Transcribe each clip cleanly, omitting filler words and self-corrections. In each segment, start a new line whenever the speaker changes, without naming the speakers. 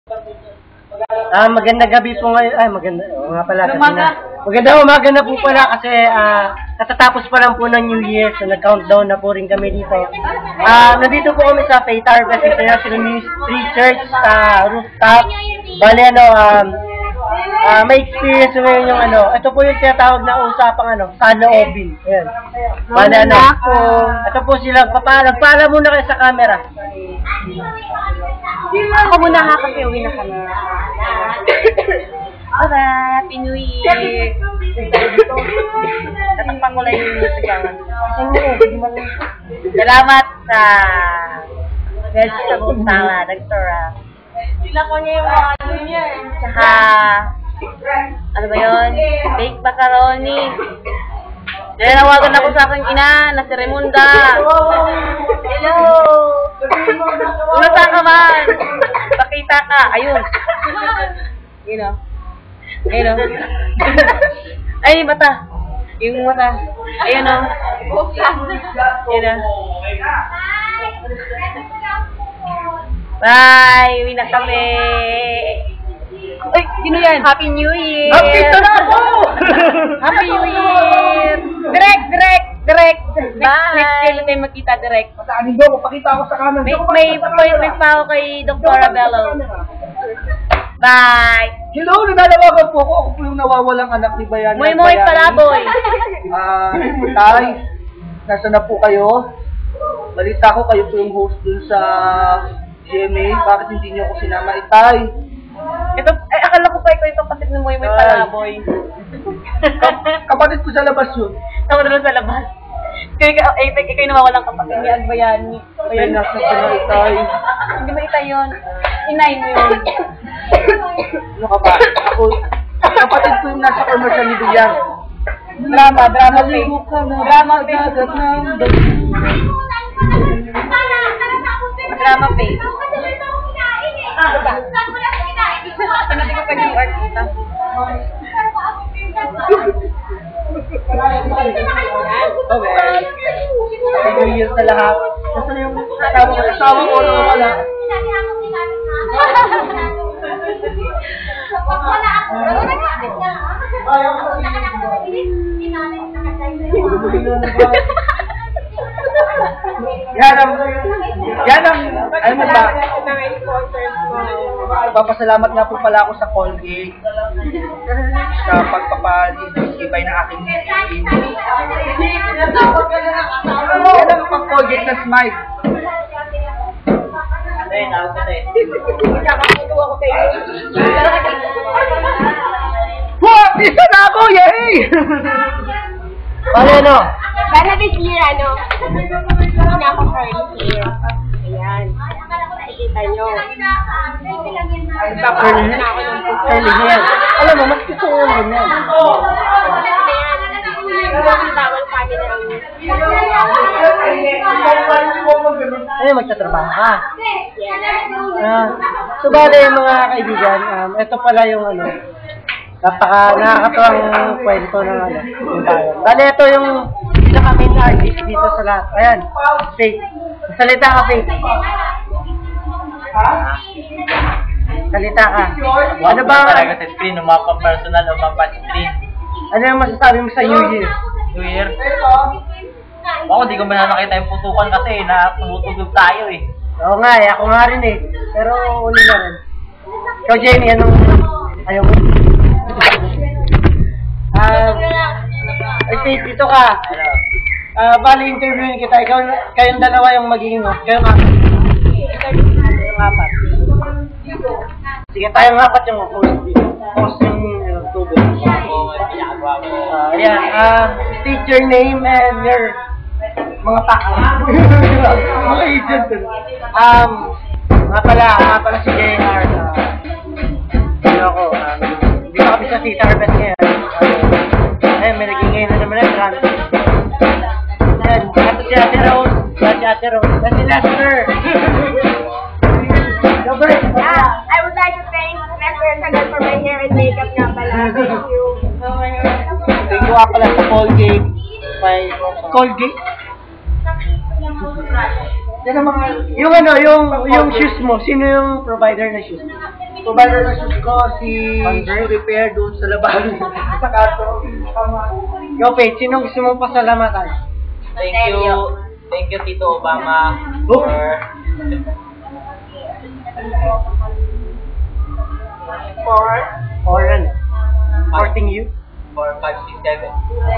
Magandang gabi po ngayon. Ay, maganda. Oo nga pala. Magandang umaga na po pala kasi katatapos pa lang po ng New Year. So, nag-countdown na po rin kami dito. Nandito po kami sa Faith Harvest International Ministry Church rooftop. Bale, may experience ngayon yung ito po yung tinatawag na usapang saloobin. Ayan. Bale, ito po sila. Pala muna kayo sa camera.
Ako muna ha kasi uwi na kami. Alright, Happy New Year! Natakpan ko lang yung music ang Salamat sa vegetable salad, Dr. Sila ko niya yung mga niya. Tsaka, ano ba yun? Baked macaroni. Nanawagan ako sa aking ina na si Raymunda. Hello! Saan ka man? Pakita ka. Ayun. Yun o. Ayun o. Ay, mata. Yung mata. Ayun o. Ayun o. Bye! Uwi na kami. Ay, sino yan? Happy New Year!
Dito na ako!
Happy New Year! Direct! Bye! Next year tayo magkita direct.
Mataanin daw, papakita ako sa camera.
May appointment pa ako kay Dr. Arabello. Bye!
Hello, nalalawagan po ako. Ako po yung nawawalang anak ni Bayani.
Moy Palaboy!
Tay, nasa na po kayo? Balita ko kayo po yung host dun sa GMA. Bakit hindi niyo ako sinama? Tay!
Ito, akala ko pa ikaw yung kapatid ni Moy Palaboy.
Kapatid ko sa labas yun.
Ako doon sa labas. Ikaw yung nawawalang kapatid ni Agbayani.
Ay, nasa na Tay.
Hindi mo itay yun. Inay mo yun.
Ano ka ba? Ako, kapatid ko yung nasa commercial ni Bilyang.
Drama face. Drama face. Drama face. Ano ba? Pinabi ko pa yung artista.
Okay. New Year sa lahat. Nasaan yung asawa ko na wala? Yan ang, ano ba? Papasalamat nga po pala ako sa Colgate sa pagpapalibay ng aking skin. Yan ang pang-Colgate na smile. Wow! Isa na ako! Yay! Paano?
Sana this year, hindi na ako curly hair. Ayan. Nakikita nyo.
Curly hair. Alam mo, mas gusto ko yung ganyan.
Bawal pa nila.
Ano, magtatrabaho ka? So, bale, mga kaibigan, ito pala yung nakakatuwang kwento ng yung bayan. Bale, ito yung pinaka-main artist dito sa lahat. Ayan, Faith. Salita ka, Faith. Salita ka. Ano ba?
Talaga sa screen, umapa personal, umapa screen.
Ano yung masasabi mo sa New Year?
New Year? Ako, di ko ba nakita yung putukan kasi tumutugog tayo eh.
Oo nga ako nga rin eh. Pero uli na rin. Ikaw, Jenny, anong ayaw mo? Faith, dito ka. Bali, interviewin kita. Kayong dalawa yung magiging kayo nga. Yung apat. Sige, tayong apat yung host yung tubig. Ayan. State your name and your mga taka. Mga agent. Nga pala si JR. Hindi pa kami sa Faith Harvest ngayon. May nagingay na naman ang trans. Ito si Ate Rose. Si Ate Rose. Si Lester.
I would like to thank Lester Sagal for my hair and makeup nga pala. Thank you.
Thank you nga pala sa Colgate. Colgate?
Yan ang mga...
Yung ano, yung shoes mo, sino yung provider ng shoes?
Provider ng shoes ko, si Repair doon sa labas. Sa kaso.
Yo, Faith, sino gusto mong pasalamatan?
Thank you, Tito Obama,
Oh. Or ano? Supporting you?
for 567.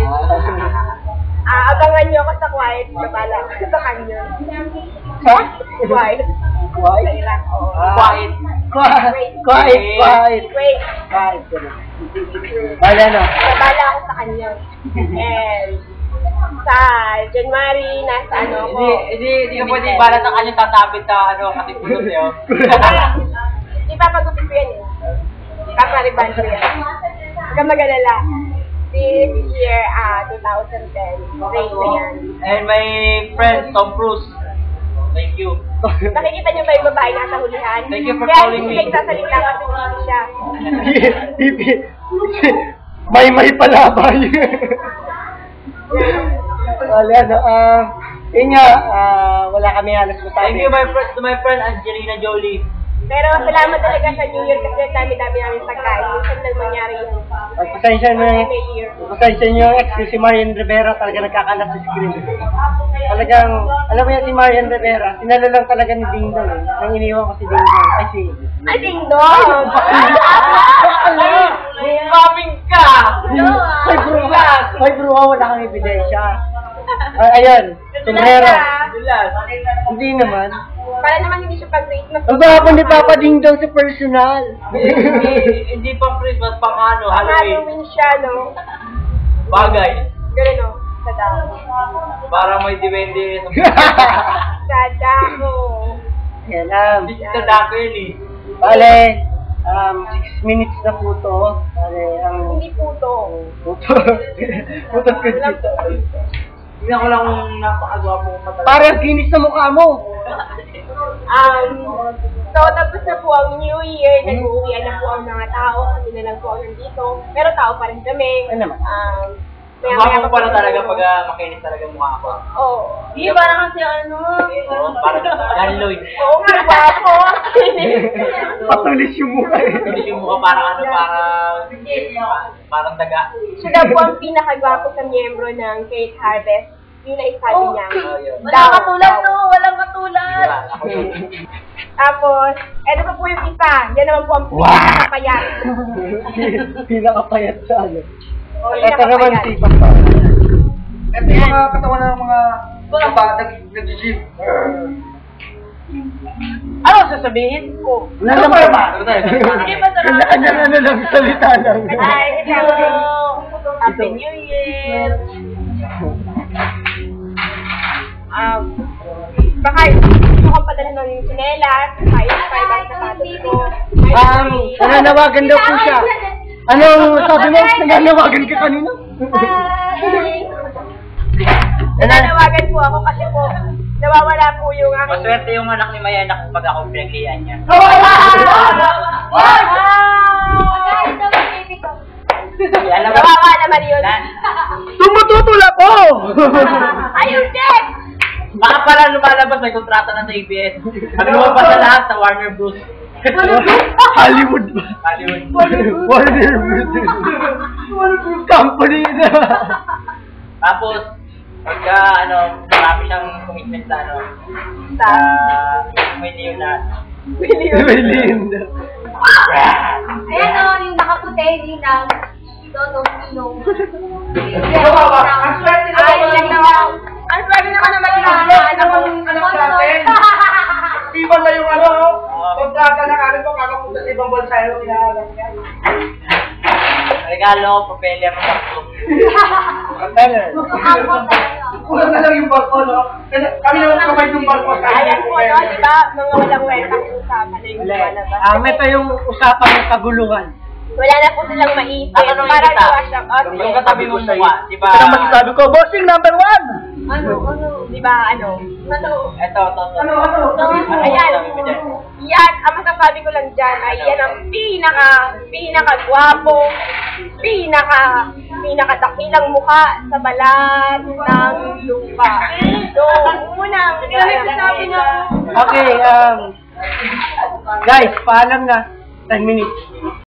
Abangan niyo ako sa quiet na pala. Sa kanya.
Ha?
Quiet.
Quiet?
Sa Iraq, oo.
Quiet.
Quiet.
Wait.
Quiet. Wala na.
Nabala ako sa kanya. And sa January, nasa ano ko.
Hindi ka pwede balat ang kanyang tatabit na ano, kasi pulot niyo.
Di pa pag-upit ko yan eh. Papariban ko yan. Huwag kang mag-alala. This year, 2010, rain na yan.
And my friend, Tom Cruise. Thank you.
Nakikita niyo ba yung babae nasa hulihan?
Thank you for
Kaya
calling me.
hindi nagsasalita kasi hindi siya.
May palabay. Wala na. Yun nga, wala kami halos masabi.
Thank you to my friend Angelina Jolie.
Pero salamat talaga sa New Year kasi dami-dami namin pagkain. Minsan lang mangyari yun.
Pasensya na
May year.
pasensya nyo yung ex si Marian Rivera talaga nagkakalat sa screen. Talagang, alam mo yan si Marian Rivera, sinalo lang talaga ni Ding Dong eh. Nang iniwan ko si Ding Dong. Ay si...
Ay, ding dong!
Coming ka!
Ay bro, wala kang ebidensya. Ayun, sombrero. Hindi naman.
Para naman hindi siya pag-rate na.
Ang baka ni Papa Ding Dong sa personal.
Hindi pang Christmas, pang ano, Halloween.
Halloween siya, no?
Bagay.
Ganun, no? Sa dako.
Para may depende
Sa dako.
Yan,
sa dako yun eh.
bale, 6 minutes na po to. Bale, ang...
Hindi puto.
Puto. Puto ko dito.
Tingnan ko lang kung napakagwapo ko pa talaga.
Parang kinis na mukha mo.
So, tapos na po ang New Year, nag-uuwian na po ang mga tao, kami na lang po ang nandito. Pero tao pa rin kami.
Ano naman?
Mukha ko pala talaga pag makinis talaga mukha ko.
Oo. Di, parang kasi ano.
Parang Dan Lloyd.
Oo nga, gwapo.
Patulis yung mukha eh.
Hindi yung mukha parang ano, parang daga.
Siya daw po ang pinakagwapo sa miyembro ng Cake Harvest. Yun ay sabi niya.
Walang
katulad to! Walang katulad! Tapos, eto pa po yung isa. Yan naman po ang pinakapayat.
Pinakapayat sa ano.
O,
Ito naman si Papa.
Ito yung mga katawan ng mga nag-gym.
Ano sasabihin ko?
Wala naman ba?
Sige pa sa
Kanya-kanya ano lang, salita lang.
Ay, hello! Happy New Year! Baka gusto kong padala ng sinelas, kahit 5 ang sapatos ko.
Nananawagan daw po siya. Anong sabi mo? Nananawagan ka kanina?
Nananawagan po ako kasi po, nawawala po yung aking...
Maswerte yung anak ni Mayanak pag ako pinaglihan niya. Alam mo,
Nawawa naman yun.
Tumututol ako!
Ayun, Jack!
baka pala lumalabas may kontrata na sa ABS. Ang lumabas na lahat sa Warner Bros.
Hollywood ba?
Hollywood.
Warner Bros. Company na.
Tapos, pagka ano, marami siyang commitment sa ano, sa may Leonardo.
William.
Ayan o, yung nakaputi, Ninang. Dodong Ninong.
Ang swerte na
Ayun lang naman. Ang swerte na ka naman yung
anak natin. Iba na yung ano, kontrata na kagad mo, kakapunta sa ibang bansa yung inaalam niya.
Regalo, propeller ng barko.
Propeller.
Kulang na lang yung barko, no? Kami naman kamay yung barko.
Ayan po, no? Diba? Mga walang welcome usapan na yung lumalabas.
Ito yung usapang kaguluhan.
Wala na po silang maisip.
Tatanungin
Para
kita.
i-wash up us.
Yung katabi mo mukha, di ba?
Ito ang masasabi ko, bossing number 1!
Ano? Di ba, ano?
Ito.
Ayan. Yan, ang masasabi ko lang dyan ay yan ang pinaka-gwapo, pinaka-dakilang mukha sa balat ng lupa. So, unang sinabi niya.
Okay, guys, paalam na. 10 minutes.